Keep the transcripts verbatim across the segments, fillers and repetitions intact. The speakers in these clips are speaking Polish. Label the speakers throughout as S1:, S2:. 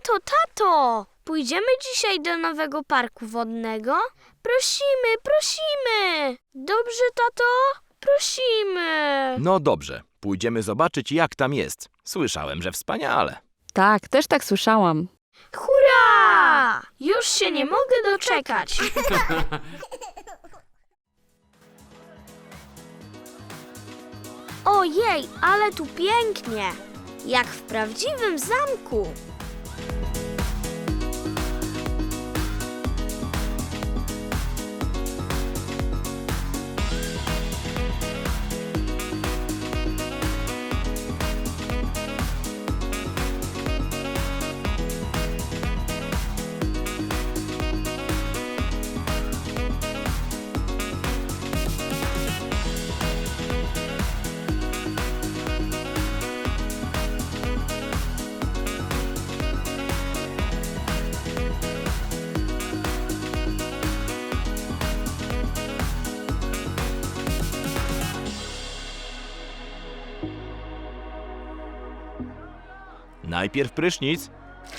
S1: Tato, tato! Pójdziemy dzisiaj do nowego parku wodnego? Prosimy, prosimy! Dobrze, tato? Prosimy!
S2: No dobrze, pójdziemy zobaczyć, jak tam jest. Słyszałem, że wspaniale.
S3: Tak, też tak słyszałam.
S1: Hurra! Już się nie mogę doczekać. Ojej, ale tu pięknie! Jak w prawdziwym zamku.
S2: Najpierw prysznic.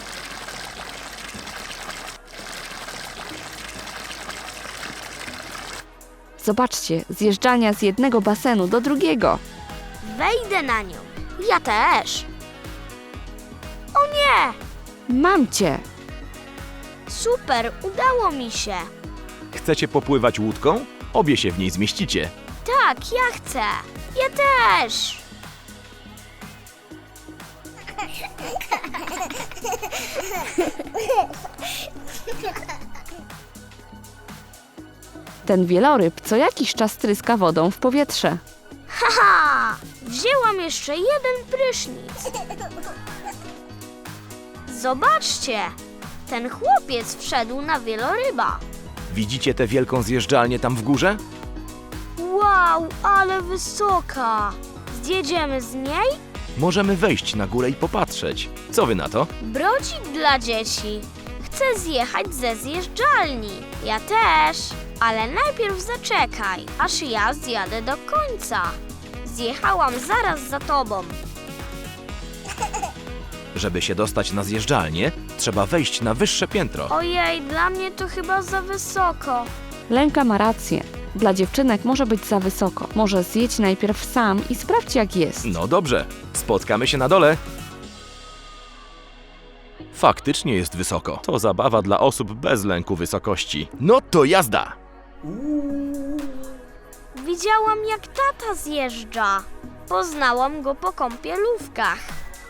S3: Zobaczcie, zjeżdżalnia z jednego basenu do drugiego.
S1: Wejdę na nią. Ja też. O nie!
S3: Mam cię!
S1: Super, udało mi się.
S2: Chcecie popływać łódką? Obie się w niej zmieścicie.
S1: Tak, ja chcę. Ja też.
S3: Ten wieloryb co jakiś czas tryska wodą w powietrze.
S1: Haha! Wzięłam jeszcze jeden prysznic. Zobaczcie! Ten chłopiec wszedł na wieloryba.
S2: Widzicie tę wielką zjeżdżalnię tam w górze?
S1: Wow, ale wysoka! Zjedziemy z niej?
S2: Możemy wejść na górę i popatrzeć. Co wy na to?
S1: Brodzik dla dzieci. Chcę zjechać ze zjeżdżalni. Ja też. Ale najpierw zaczekaj, aż ja zjadę do końca. Zjechałam zaraz za tobą.
S2: Żeby się dostać na zjeżdżalnię, trzeba wejść na wyższe piętro.
S1: Ojej, dla mnie to chyba za wysoko.
S3: Lenka ma rację. Dla dziewczynek może być za wysoko. Może zjedź najpierw sam i sprawdź, jak jest.
S2: No dobrze, spotkamy się na dole. Faktycznie jest wysoko. To zabawa dla osób bez lęku wysokości. No to jazda!
S1: Widziałam, jak tata zjeżdża. Poznałam go po kąpielówkach.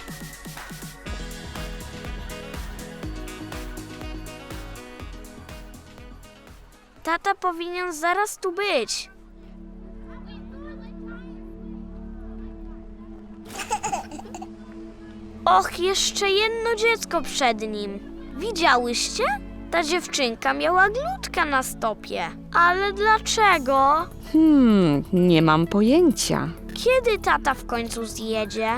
S1: Tata powinien zaraz tu być. Och, jeszcze jedno dziecko przed nim. Widziałyście? Ta dziewczynka miała glutka na stopie. Ale dlaczego?
S3: Hmm, nie mam pojęcia.
S1: Kiedy tata w końcu zjedzie?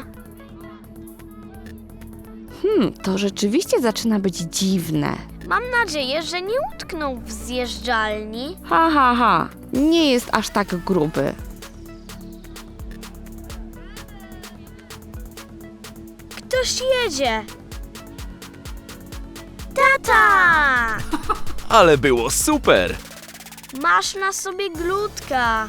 S3: Hmm, to rzeczywiście zaczyna być dziwne.
S1: Mam nadzieję, że nie utknął w zjeżdżalni.
S3: Ha, ha, ha. Nie jest aż tak gruby.
S1: Ktoś jedzie. Tata!
S2: Ale było super!
S1: Masz na sobie glutka.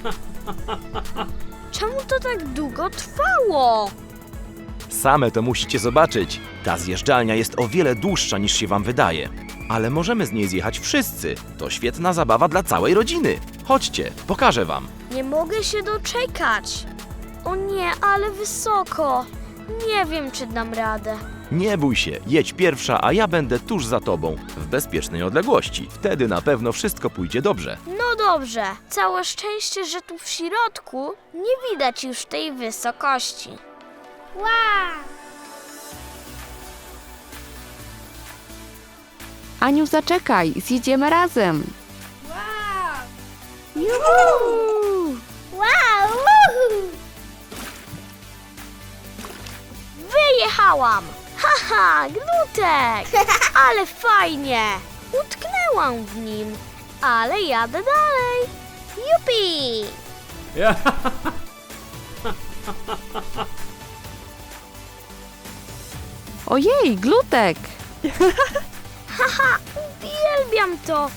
S1: Czemu to tak długo trwało?
S2: Same to musicie zobaczyć. Ta zjeżdżalnia jest o wiele dłuższa niż się wam wydaje. Ale możemy z niej zjechać wszyscy. To świetna zabawa dla całej rodziny. Chodźcie, pokażę wam.
S1: Nie mogę się doczekać. O nie, ale wysoko. Nie wiem, czy dam radę.
S2: Nie bój się, jedź pierwsza, a ja będę tuż za tobą, w bezpiecznej odległości. Wtedy na pewno wszystko pójdzie dobrze.
S1: No dobrze. Całe szczęście, że tu w środku nie widać już tej wysokości. Wow!
S3: Aniu, zaczekaj, zjedziemy razem.
S1: Juhu! Wow! Wyjechałam! Haha, glutek! Ale fajnie! Utknęłam w nim, ale jadę dalej. Jupi!
S3: Ojej, glutek!
S1: Haha, uwielbiam to!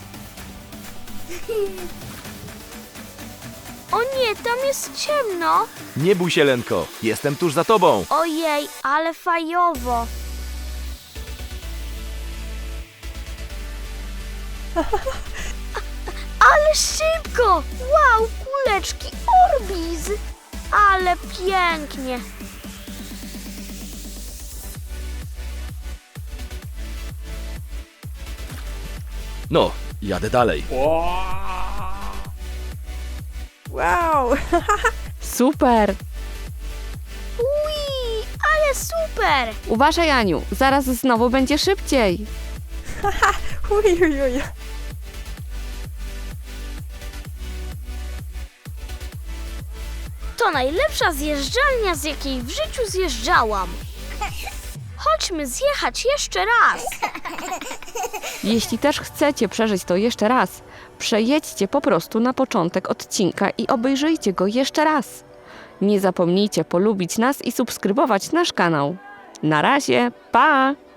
S1: O nie, tam jest ciemno!
S2: Nie bój się, Lenko, jestem tuż za tobą.
S1: Ojej, ale fajowo! Ale szybko! Wow, kuleczki Orbiz! Ale pięknie!
S2: No, jadę dalej.
S4: Wow!
S3: Super!
S1: Ui, ale super!
S3: Uważaj, Aniu, zaraz znowu będzie szybciej.
S4: Uj, uj, uj.
S1: To najlepsza zjeżdżalnia, z jakiej w życiu zjeżdżałam. Chodźmy zjechać jeszcze raz.
S3: Jeśli też chcecie przeżyć to jeszcze raz, przejedźcie po prostu na początek odcinka i obejrzyjcie go jeszcze raz. Nie zapomnijcie polubić nas i subskrybować nasz kanał. Na razie, pa!